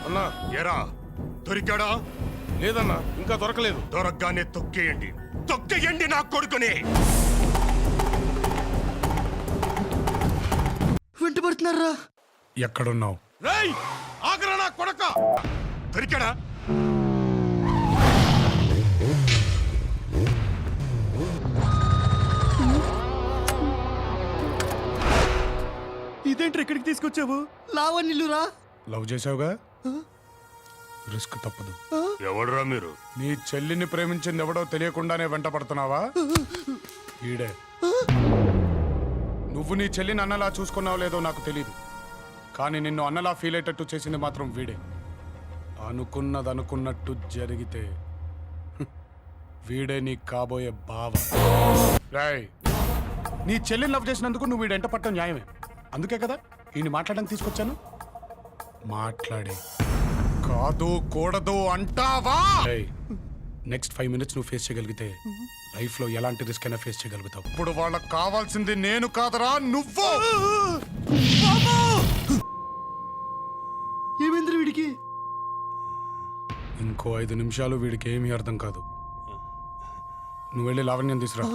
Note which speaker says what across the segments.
Speaker 1: అన్నా
Speaker 2: ఎరా దొరికాడా?
Speaker 1: లేదన్నా, ఇంకా దొరకలేదు.
Speaker 2: దొరకగానే తొక్కేయండి నా కొడుకుని.
Speaker 3: వెంటబడుతున్నారా?
Speaker 4: ఎక్కడున్నావు?
Speaker 1: రేయ్ ఆగరా నా కొడక!
Speaker 2: దొరికాడా?
Speaker 3: ఇదేంటి ఇక్కడికి తీసుకొచ్చావు? లావణ్యులురా?
Speaker 4: లవ్ చేసావుగా, రిస్క్ తప్పదు.
Speaker 2: ఎవడురా మీరు?
Speaker 4: నీ చెల్లిని ప్రేమించింది ఎవడో తెలియకుండానే వెంట పడుతున్నావా? ఈడే. నువ్వు నీ చెల్లిని అన్నలా చూసుకున్నావు లేదో నాకు తెలీదు, కానీ నిన్ను అన్నలా ఫీల్ అయ్యేటట్టు చేసింది మాత్రం వీడే. అనుకున్నది అనుకున్నట్టు జరిగితే వీడే నీ కాబోయే బావ. రాయ్, నీ చెల్లిని లవ్ చేసినందుకు నువ్వు వీడెంట పట్టడం న్యాయమే. అందుకే కదా ఈయన మాట్లాడడానికి తీసుకొచ్చాను. మాట్లాడే కాదు కూడదు అంటావా? నెక్స్ట్ 5 minutes నువ్వు ఫేస్ చేయగలిగితే లైఫ్ లో ఎలాంటి రిస్క్ అయినా ఫేస్ చేయగలుగుతావు. ఇప్పుడు వాళ్ళకి కావాల్సింది నేను కాదరా, నువ్వు.
Speaker 3: ఏమైంది వీడికి?
Speaker 4: ఇంకో 5 నిమిషాలు వీడికి ఏమీ అర్థం కాదు. నువ్వు వెళ్ళి లావణ్యం తీసురా.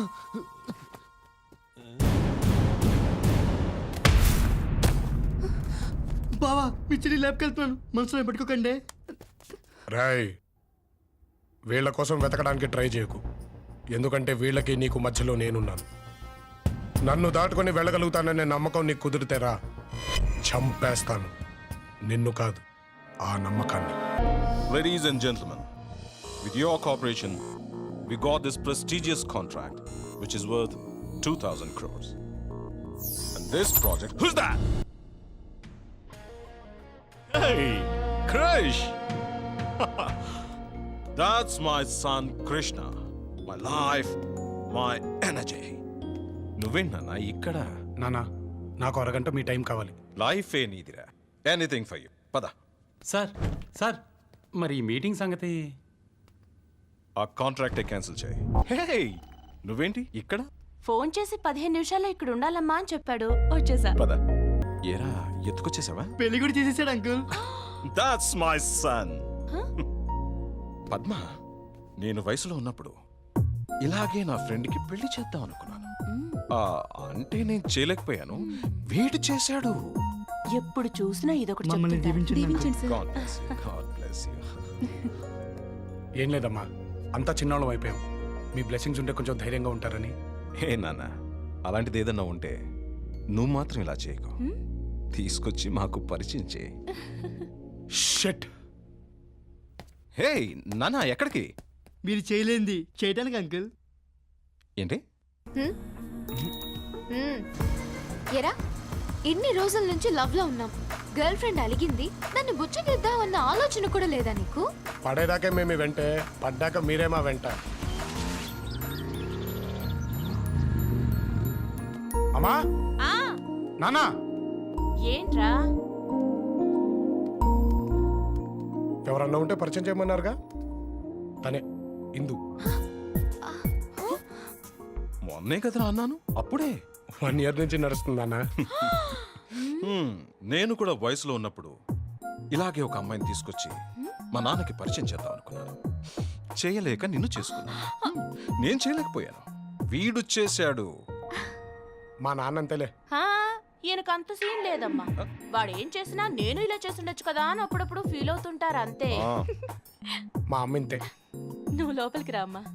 Speaker 3: బావా, మీ చెల్లి ల్యాబ్కి వెళ్తున్నాను, మనసులో పెట్టుకోకండి.
Speaker 4: రాయ్, వీళ్ళ కోసం వెతకడానికి ట్రై చేయకు, ఎందుకంటే వీళ్ళకి నీకు మధ్యలో నేనున్నాను. నన్ను దాటుకొని వెళ్ళగలుగుతాననే నమ్మకం నీకు కుదిరితేరా, చంపేస్తాను. నిన్ను కాదు, ఆ నమ్మకాన్ని.
Speaker 1: Ladies and gentlemen, with your cooperation, we got this prestigious contract, which is worth 2,000 crores. And this project... Who's that? Hey, Krish! That's my son Krishna. My life, my energy. నువ్వేంటన్నా ఇక్కడ?
Speaker 4: నానా, నాకు అరగంట మీ టైం కావాలి.
Speaker 1: Life ఏ నీదిరా. Anything for you. పద.
Speaker 5: Sir మరి ఈ మీటింగ్ సంగతి?
Speaker 1: ఆ కాంట్రాక్టే క్యాన్సిల్ చేయి. హే, నువ్వేంటి ఇక్కడ?
Speaker 6: ఫోన్ చేసి 15 నిమిషాల్లో ఇక్కడ ఉండాలమ్మా అని చెప్పాడు, వచ్చేసా.
Speaker 1: పద. ఏరా, ఎత్తుకొచ్చేసావా?
Speaker 3: పెళ్లి కూడా చేసేసాడు uncle.
Speaker 1: That's my son. Padma, నేను వయసులో ఉన్నప్పుడు ఇలాగే నా ఫ్రెండ్కి పెళ్లి చేద్దాం అనుకున్నాను. అంటే నేను చేయలేకపోయాను, వీడు చేశాడు.
Speaker 6: ఎప్పుడు చూసినా ఇదొకటి
Speaker 3: మమ్మల్ని
Speaker 6: చెప్తుంటా.
Speaker 3: దీవించండి uncle.
Speaker 1: God bless you, God bless you.
Speaker 4: ఏం లేదమ్మా, అంతా చిన్నోళ్ళం అయిపోయాం. మీ బ్లెస్సింగ్స్ ఉంటే కొంచెం ధైర్యంగా ఉంటారని.
Speaker 1: హే నాన్న, అలాంటిది ఏదన్నా ఉంటే నువ్వు మాత్రం ఇలా చేయకు. తీసుకొచ్చి మాకు పరిచయం చేయి.
Speaker 4: షిట్.
Speaker 1: హే నాన్న, ఎక్కడికి?
Speaker 3: మీరు చేయలేంది చేయడానికి అంకుల్.
Speaker 1: ఏంటి?
Speaker 7: ఎరా, ఇన్ని రోజుల నుంచి లవ్ లో ఉన్నాం. గర్ల్ ఫ్రెండ్ అలిగింది, నన్ను బుచ్చగిద్దామన్న ఆలోచన కూడా లేదా నీకు?
Speaker 4: పడేదాకే మేము వెంటే, పడ్డాక మీరేమా వెంట. అమ్మా, నానా,
Speaker 6: ఏంట్రా?
Speaker 4: ఎవరన్నా ఉంటే పరిచయం చేయమన్నారుగా, తనే ఇందు.
Speaker 1: మొన్నే కదరా అన్నాను, అప్పుడే.
Speaker 4: 1 year నుంచి నడుస్తుంది అన్న.
Speaker 1: నేను కూడా వయసులో ఉన్నప్పుడు ఇలాగే ఒక అమ్మాయిని తీసుకొచ్చి మా నాన్నకి పరిచయం చేద్దాం అనుకున్నాను. చేయలేక నిన్ను చేసుకున్నాను. నేను చేయలేకపోయాను, వీడు చేశాడు.
Speaker 4: మా నాన్న అంతేలే.
Speaker 6: ఈయనకు అంత సీన్ లేదమ్మా. వాడు ఏం చేసినా నేను ఇలా చేస్తుండొచ్చు కదా అని అప్పుడప్పుడు ఫీల్ అవుతుంటారు అంతే.
Speaker 4: మా అమ్మ ఇంతే.
Speaker 6: నువ్వు లోపలికి రా అమ్మా.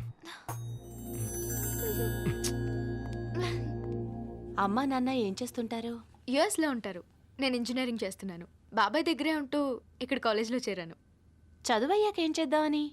Speaker 6: అమ్మా నాన్న ఏం చేస్తుంటారు?
Speaker 7: యుఎస్ లో ఉంటారు. నేను ఇంజనీరింగ్ చేస్తున్నాను. బాబాయ్ దగ్గరే ఉంటూ ఇక్కడ కాలేజ్లో చేరాను.
Speaker 6: చదువయ్యాక ఏం చేద్దామని?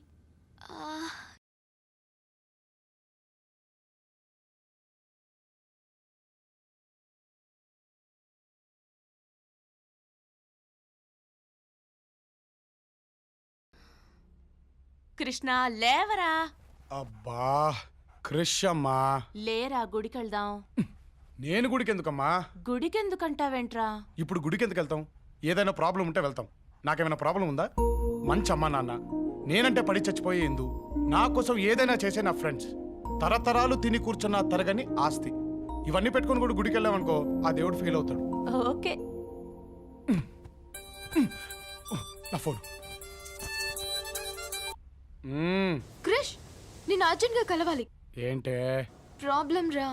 Speaker 6: కృష్ణ లేవరా.
Speaker 4: అబ్బా క్రిష్ అమ్మా,
Speaker 6: లేరా, గుడికెళ్దాం.
Speaker 4: నేను గుడికి ఎందుకమ్మా?
Speaker 6: గుడికెందుకంటావేంట్రా?
Speaker 4: ఇప్పుడు గుడికి ఎందుకు వెళ్తాం? ఏదైనా ప్రాబ్లం ఉంటే వెళ్తాం. నాకేమైనా ప్రాబ్లం ఉందా? మంచి అమ్మా నాన్న, నేనంటే పడి చచ్చిపోయే ఎందు, నా కోసం ఏదైనా చేసే నా ఫ్రెండ్స్, తరతరాలు తిని కూర్చున్న తరగని ఆస్తి, ఇవన్నీ పెట్టుకొని కూడా గుడికి వెళ్ళామనుకో, ఆ దేవుడు ఫీల్ అవుతాడు.
Speaker 6: ఓకే.
Speaker 4: నా ఫోన్.
Speaker 7: క్రిష్ నేను అర్జెంట్గా కలవాలి.
Speaker 4: ఏంటే?
Speaker 7: ప్రాబ్లం రా.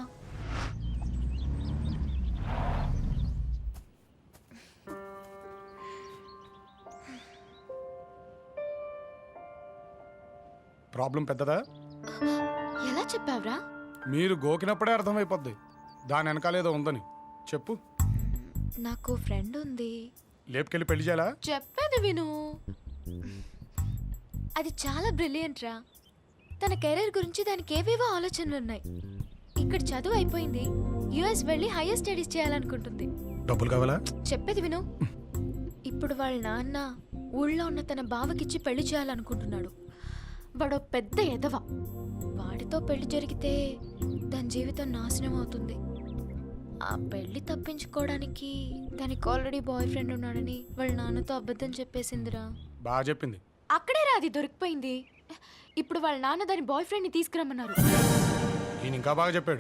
Speaker 4: ప్రాబ్లం పెద్దదా?
Speaker 7: ఎలా చెప్పావురా?
Speaker 4: మీరు గోకినప్పుడే అర్థమైపోద్ది దాని వెనకాలేదో ఉందని. చెప్పు.
Speaker 7: నాకు ఫ్రెండ్ ఉంది.
Speaker 4: లేపుకెళ్ళి పెళ్లి చేయాలా?
Speaker 7: చెప్పేది విను. అది చాలా బ్రిలియంట్ రా. తన కెరీర్ గురించి దానికి ఏవేవో ఆలోచనలు ఉన్నాయి. ఇక్కడ చదువు అయిపోయింది, యుఎస్ వెళ్ళి హైయర్ స్టడీస్ చేయాలనుకుంటుంది.
Speaker 4: డబ్బులు కావాలా?
Speaker 7: చెప్పేది విను. ఇప్పుడు వాళ్ళ నాన్న ఊళ్ళో ఉన్న తన బావకిచ్చి పెళ్లి చేయాలనుకుంటున్నాడు. వాడో పెద్ద ఎదవ. వాడితో పెళ్లి జరిగితే దాని జీవితం నాశనం అవుతుంది. ఆ పెళ్లి తప్పించుకోవడానికి దానికి ఆల్రెడీ బాయ్ ఫ్రెండ్ ఉన్నాడని వాళ్ళ నాన్నతో అబద్ధం చెప్పేసిందిరా.
Speaker 4: బాగా చెప్పింది.
Speaker 7: అక్కడే రా అది దొరికిపోయింది. ఇప్పుడు వాళ్ళ నాన్న దాని బాయ్ ఫ్రెండ్ని తీసుకురమ్మన్నారు.
Speaker 4: ఈయన ఇంకా బాగా చెప్పాడు.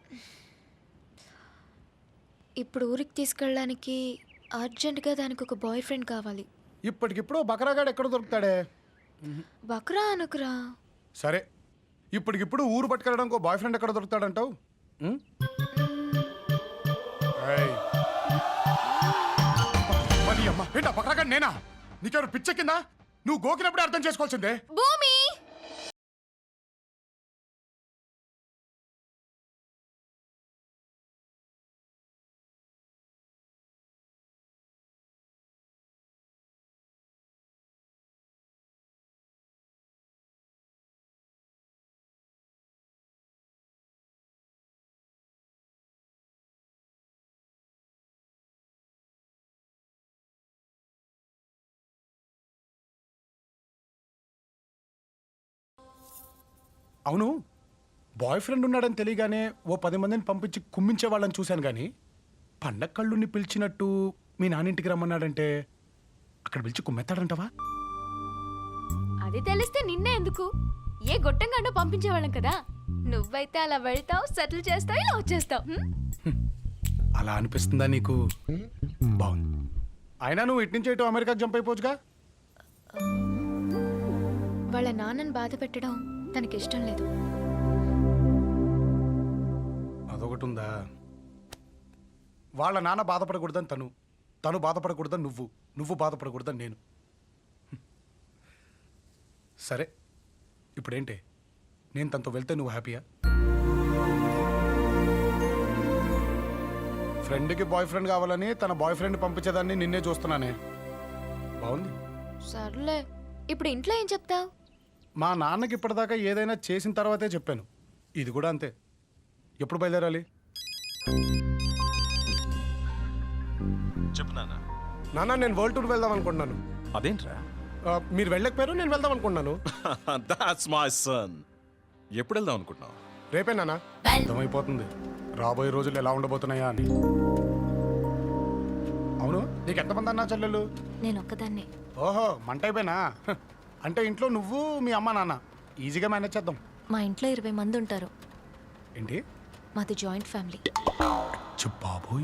Speaker 7: ఇప్పుడు ఊరికి తీసుకెళ్ళడానికి అర్జెంటుగా దానికి ఒక బాయ్ ఫ్రెండ్ కావాలి.
Speaker 4: ఇప్పటికిప్పుడు బకరాగాడు ఎక్కడ దొరుకుతాడే?
Speaker 7: బక్రా అనుకురా.
Speaker 4: సరే, ఇప్పటికిప్పుడు ఊరు పట్టుకెళ్ళడానికి ఒక బాయ్ ఫ్రెండ్ ఎక్కడ దొరుకుతాడంటావు? ఏంటా బకరాగాడు? నేనా? నీకెవరు పిచ్చెక్కిందా? నువ్వు గోకినప్పుడే అర్థం చేసుకోవాల్సిందే.
Speaker 7: భూమి
Speaker 4: అవును, బాయ్ ఫ్రెండ్ ఉన్నాడని తెలియగానే ఓ 10 మందిని పంపించి కుమ్మించే వాళ్ళని చూశాను కానీ పండగ కళ్ళుని పిలిచినట్టు మీ నాన్నింటికి రమ్మన్నాడంటే అక్కడ పిలిచి కుమ్మెత్తాడంటావా?
Speaker 7: అది తెలిస్తే నిన్నే ఎందుకు, ఏ గొట్టంగానో పంపించేవాళ్ళం కదా. నువ్వైతే అలా వెళ్తావు, సెటిల్ చేస్తావు, ఇలా వచ్చేస్తావు.
Speaker 4: అలా అనిపిస్తుందా నీకు? బాగుంది. అయినా నువ్వు ఇటు నుంచి ఇటు అమెరికాకి జంప్ అయిపోవచ్చుగా.
Speaker 7: వాళ్ళ నాన్నని బాధ పెట్టడం తనకి ఇష్టం లేదు.
Speaker 4: అదొకటి ఉందా? వాళ్ళ నాన్న బాధపడకూడదని తను బాధపడకూడదని నువ్వు బాధపడకూడదని నేను. సరే, ఇప్పుడేంటి? నేను తనతో వెళ్తే నువ్వు హ్యాపీయా? ఫ్రెండ్కి బాయ్ ఫ్రెండ్ కావాలని తన బాయ్ ఫ్రెండ్ పంపించేదాన్ని నిన్నే చూస్తున్నానే. బాగుంది.
Speaker 7: సర్లే, ఇప్పుడు ఇంట్లో ఏం చెప్తావు?
Speaker 4: మా నాన్నకి ఇప్పటిదాకా ఏదైనా చేసిన తర్వాతే చెప్పాను. ఇది కూడా అంతే. ఎప్పుడు బయలుదేరాలి?
Speaker 1: చెప్పు నాన్న.
Speaker 4: నాన్న, నేను వరల్డ్ టూర్ వెళ్దాం అనుకుంటున్నాను.
Speaker 1: అదేంట్రా?
Speaker 4: మీరు వెళ్ళకపోయారు, నేను వెళ్దాం అనుకుంటున్నాను.
Speaker 1: That's my son. ఎప్పుడు వెళ్దాం అనుకుంటున్నావు?
Speaker 4: రేపే నాన్న. అర్థమైపోతుంది రాబోయే రోజులు ఎలా ఉండబోతున్నాయా అని. అవును, నీకు ఎంతమంది అన్నా చెల్లెలు?
Speaker 7: నేను ఒక్కదాన్నే.
Speaker 4: ఓహో, మంట అయిపోయినా? అంటే ఇంట్లో నువ్వు, మీ అమ్మ, నాన్న ఈజీగా మేనేజ్ చేద్దాం.
Speaker 7: మా ఇంట్లో 20 మంది ఉంటారు.
Speaker 4: ఏంటి?
Speaker 7: మాది జాయింట్ ఫ్యామిలీ.
Speaker 4: బాబోయ్.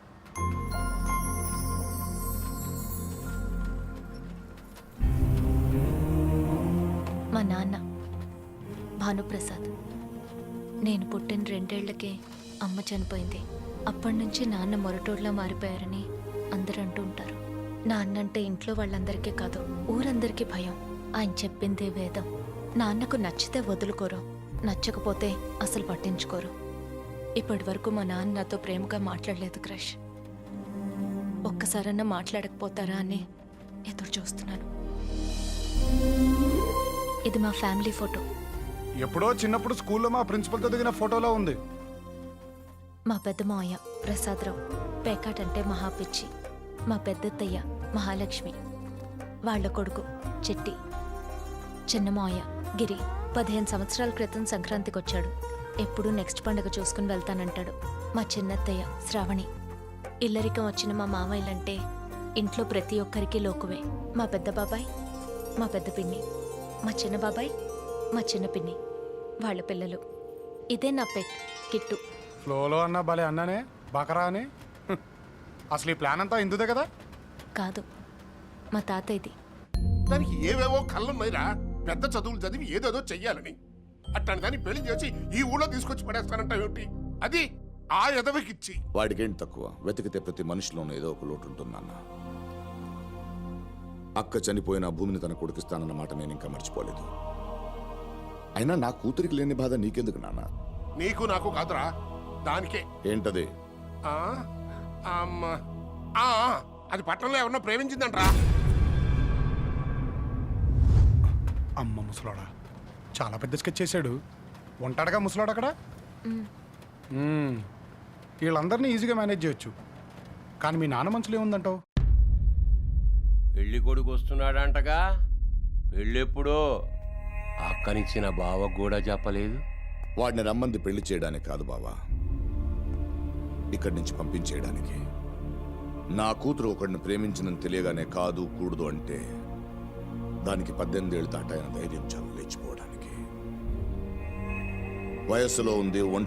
Speaker 7: మా నాన్న భానుప్రసాద్. నేను పుట్టిన 2 ఏళ్లకే అమ్మ చనిపోయింది. అప్పటి నుంచి నాన్న మొరటోడ్లా మారిపోయారని అందరూ అంటూ ఉంటారు. నాన్నంటే ఇంట్లో వాళ్ళందరికీ కాదు, ఊరందరికీ భయం. ఆయన చెప్పిందే వేదం. నాన్నకు నచ్చితే వదులుకోరు, నచ్చకపోతే అసలు పట్టించుకోరు. ఇప్పటి వరకు మా నాన్న నాతో ప్రేమగా మాట్లాడలేదు క్రష్. ఒక్కసారన్నా మాట్లాడకపోతారా అని ఎదురు చూస్తున్నాను. ఇది మా ఫ్యామిలీ ఫోటో.
Speaker 4: ఎప్పుడో చిన్నప్పుడు స్కూల్లో మా ప్రిన్సిపల్తో దిగిన ఫోటోలో ఉంది.
Speaker 7: మా పెద్ద మావయ్య ప్రసాదరావు పేకాటంటే మహాపిచ్చి. మా పెద్దత్తయ్య మహాలక్ష్మి, వాళ్ళ కొడుకు చెట్టి. చిన్న మావయ్య గిరి 15 సంవత్సరాల క్రితం సంక్రాంతికి వచ్చాడు. ఎప్పుడూ నెక్స్ట్ పండుగ చూసుకుని వెళ్తానంటాడు. మా చిన్నత్తయ్య శ్రావణి. ఇల్లరికం వచ్చిన మా మామయ్యలంటే ఇంట్లో ప్రతి ఒక్కరికి లోకువే. మా పెద్ద బాబాయ్, మా పెద్ద పిన్ని, మా చిన్న బాబాయ్, మా చిన్న పిన్ని, వాళ్ళ పిల్లలు. ఇదే నా పెట్ కిట్టు.
Speaker 4: ఫ్లోలో అన్నా భలే అన్నానే, బకరా అని. అసలు ఈ ప్లాన్ అంతా ఇందుదే కదా?
Speaker 7: కాదు, మా తాతయ్యది.
Speaker 8: దానికి ఏవేవో కళ్ళున్నాయిరా. పెద్ద చదువులు చదివి ఏదేదో చెయ్యాలని. అట్లాంటి దాన్ని పెళ్లి చేసి ఈ ఊళ్ళో తీసుకొచ్చి పడేస్తానంటావేమిటి? అది ఆ ఎదవకిచ్చి.
Speaker 9: వాడికేంటి తక్కువ? వెతికితే ప్రతి మనిషిలోనూ ఏదో ఒక లోటు ఉంటుంది నాన్న. అక్క చనిపోయిన భూమిని తన కొడుకిస్తానన్న మాట నేను ఇంకా మర్చిపోలేదు. అయినా నా కూతురికి లేని బాధ నీకెందుకు నాన్న?
Speaker 8: నీకు నాకు కాదురా, దానికే.
Speaker 9: ఏంటది?
Speaker 8: ఆ, అమ్మ, ఆ, అది పట్టణంలో ఎవరన్నా ప్రేమించిందంట్రా.
Speaker 4: అమ్మ ముసలాడా చాలా పెద్ద స్కెచ్ చేశాడు. ఉంటాడుగా ముసలాడు అక్కడ. వీళ్ళందరినీ ఈజీగా మేనేజ్ చేయొచ్చు. కానీ మీ నాన్న మనసులో ఏముందంటావు?
Speaker 10: పెళ్లి కొడుకు వస్తున్నాడంటగా. పెళ్ళెప్పుడో? అక్కనిచ్చిన బావకు కూడా చెప్పలేదు.
Speaker 9: వాడిని రమ్మంది పెళ్లి చేయడానికి కాదు బావా, ఇక్కడి నుంచి పంపించేయడానికి. నా కూతురు ఒకడిని ప్రేమించినని తెలియగానే కాదు కూడదు అంటే దానికి 18 ఏళ్ళు దాటాయన ధైర్యం చాలు లేచిపోవడానికి. వయస్సులో ఉంది,